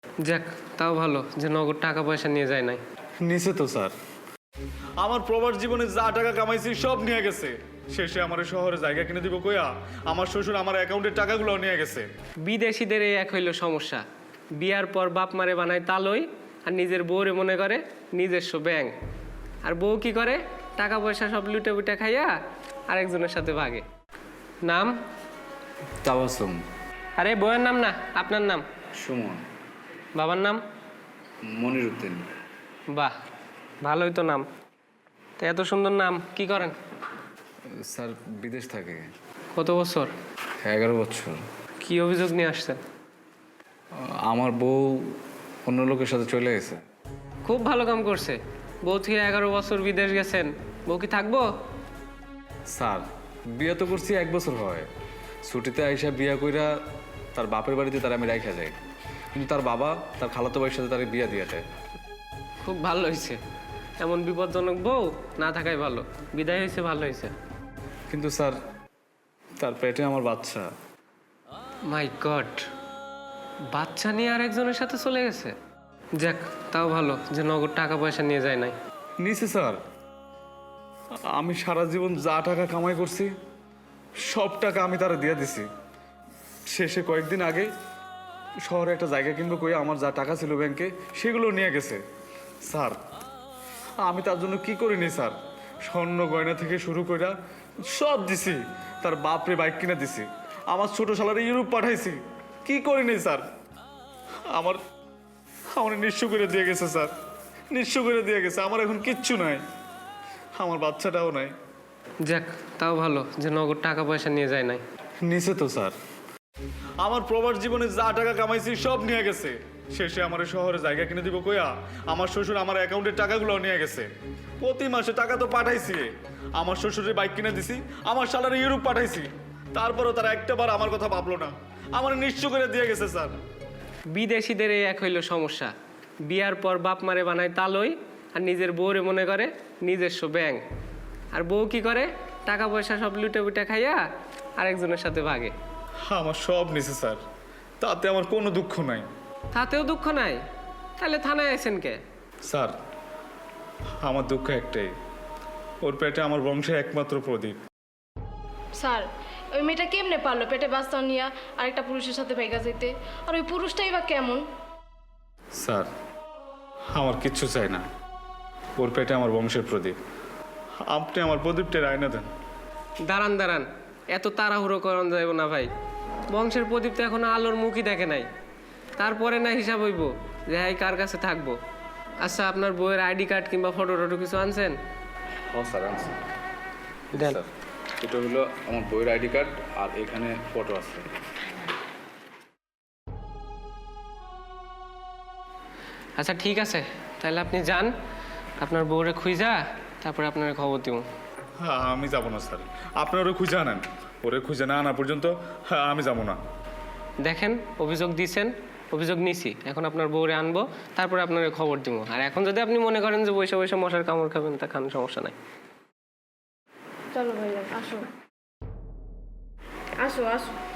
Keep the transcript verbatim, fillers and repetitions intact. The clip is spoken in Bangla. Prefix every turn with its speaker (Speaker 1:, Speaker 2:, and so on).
Speaker 1: যাক, তাও ভালো যে নগদ টাকা পয়সা নিয়ে যায় নাই।
Speaker 2: নিচে তো স্যার, আমার প্রবাস জীবনে যা টাকা কামাইছি সব নিয়ে গেছে। শেষে আমার এই শহরে জায়গা কিনে দিব কইয়া আমার শ্বশুর আমার অ্যাকাউন্টের টাকাগুলো নিয়ে গেছে।
Speaker 1: বিদেশিদের এই এক হইল সমস্যা, বিয়ার পর বাপ মারে বানায় তালই আর নিজের বউরে মনে করে নিজস্ব ব্যাংক। আর বউ কি করে, টাকা পয়সা সব লুটে বুটে খাইয়া আরেকজনের সাথে ভাগে। নাম?
Speaker 3: তাবাসুম।
Speaker 1: আরে বউয়ের নাম না, আপনার নাম?
Speaker 3: সুমন।
Speaker 1: বাবার নাম?
Speaker 3: মনির উদ্দিন।
Speaker 1: বাহ, ভালোই তো নাম। তো এত সুন্দর নাম, কি করেন?
Speaker 3: স্যার বিদেশ থাকে।
Speaker 1: কত বছর?
Speaker 3: এগারো বছর।
Speaker 1: কি অভিযোগ নিয়ে আসছেন?
Speaker 3: আমার বউ অন্য লোকের সাথে চলে গেছে।
Speaker 1: খুব ভালো কাম করছে। বউ থেকে এগারো বছর বিদেশ গেছেন, বউ কি থাকবো?
Speaker 3: স্যার বিয়ে তো করছি এক বছর হয়। ছুটিতে আইসা বিয়া কইরা তার বাপের বাড়িতে তার আমি রাইখা যাই, কিন্তু তার বাবা তার খালাতো ভাইয়ের সাথে তার বিয়া দিয়ে দেয়।
Speaker 1: খুব ভালো হয়েছে, এমন বিপজ্জনক বউ না থাকাই ভালো। বিদায় হয়েছে, ভালো হয়েছে।
Speaker 3: কিন্তু স্যার তার পেটে আমার বাচ্চা।
Speaker 1: মাই গড, বাচ্চা নিয়ে আর একজনের সাথে চলে গেছে। যাক, তাও ভালো যে নগদ টাকা পয়সা নিয়ে যায় নাই।
Speaker 2: নিচে স্যার, আমি সারা জীবন যা টাকা কামাই করছি সব টাকা আমি তারা দিয়ে দিছি। শেষে কয়েকদিন আগে শহরে একটা জায়গা কিনবো কই আমার যা টাকা ছিল ব্যাংকে সেগুলো নিয়ে গেছে। স্যার আমি তার জন্য কি করিনি স্যার, স্বর্ণ গয়না থেকে শুরু করে সব দিছি। তার বাপরে বাইক কিনে দিছি, আমার ছোট শালারে ইউরোপ পাঠাইছি। কি করিনি স্যার, আমার আমার নিঃস্ব করে দিয়ে গেছে স্যার, নিঃস্ব করে দিয়ে গেছে। আমার এখন কিচ্ছু নাই, আমার বাচ্চাটাও নাই।
Speaker 1: যাক, তাও ভালো যে নগদ টাকা পয়সা নিয়ে যায় নাই।
Speaker 2: নিচে তো স্যার, আমার প্রবাস জীবনে যা টাকা কামাইছি সব নিয়ে গেছে। শেষে আমার এই শহরে জায়গা কিনে দিব কইয়া আমার শ্বশুর আমার অ্যাকাউন্টের টাকাগুলো নিয়ে গেছে। প্রতি মাসে টাকা তো পাঠাইছি, আমার শ্বশুরের বাইক কিনে দিছি, আমার শালারে ইউরোপ পাঠাইছি। তারপরও তারা একটা বার আমার কথা ভাবলো না, আমার নিঃস্ব করে দিয়ে গেছে স্যার।
Speaker 1: বিদেশিদের এই এক হইল সমস্যা, বিয়ার পর বাপ মারে বানায় তালই আর নিজের বউরে মনে করে নিজস্ব ব্যাংক। আর বউ কি করে, টাকা পয়সা সব লুটে বুটে খাইয়া আরেকজনের সাথে ভাগে।
Speaker 2: আমার সব নিছে স্যার, তাতে আমার কোনো দুঃখ নাই।
Speaker 1: তাতেও দুঃখ নাই? তাহলে থানায় আছেন কে?
Speaker 2: স্যার আমার দুঃখ একটাই, ওর পেটে আমার বংশের একমাত্র প্রদীপ।
Speaker 4: স্যার ওই মেয়েটা কেমনে পারলো পেটে বাচ্চা নিয়ে আরেকটা পুরুষের সাথে ভেগা যেতে? আর ওই পুরুষটাই বা কেমন?
Speaker 2: স্যার আমার কিচ্ছু চাই না, ওর পেটে আমার বংশের প্রদীপ। আপনি আমার প্রদীপটার আয়না দেন।
Speaker 1: দাঁড়ান দাঁড়ান, এত তাড়াহুড়ো করান যাইব না ভাই। বংশের প্রদীপ তো এখনো আলোর মুখই দেখে নাই, তারপরে না হিসাব হইব যে হ্যাঁ কার কাছে থাকবো। আচ্ছা, আপনার বইয়ের আইডি কার্ড কিংবা ফটো টটো কিছু আনছেন?
Speaker 3: হ্যাঁ স্যার আনছি।
Speaker 1: দেন।
Speaker 3: স্যার এটা হলো আমার বইয়ের আইডি কার্ড আর এখানে ফটো আছে।
Speaker 1: আচ্ছা ঠিক আছে, তাহলে আপনি যান, আপনার বউরে খুঁজা তারপরে আপনার খবর দিব।
Speaker 2: হ্যাঁ আমি যাবো না স্যার, আপনার ওরে খুঁজে আনেন। ওরে খুঁজে না আনা পর্যন্ত হ্যাঁ আমি যাবো না।
Speaker 1: দেখেন, অভিযোগ দিয়েছেন, অভিযোগ নিছি, এখন আপনার বউরে আনবো, তারপরে আপনার খবর দিব। আর এখন যদি আপনি মনে করেন যে বৈশা বৈশা মশার কামড় খাবেন, তা খান, সমস্যা নাই।
Speaker 4: চলো ভাইয়া, আসো আসো আসো।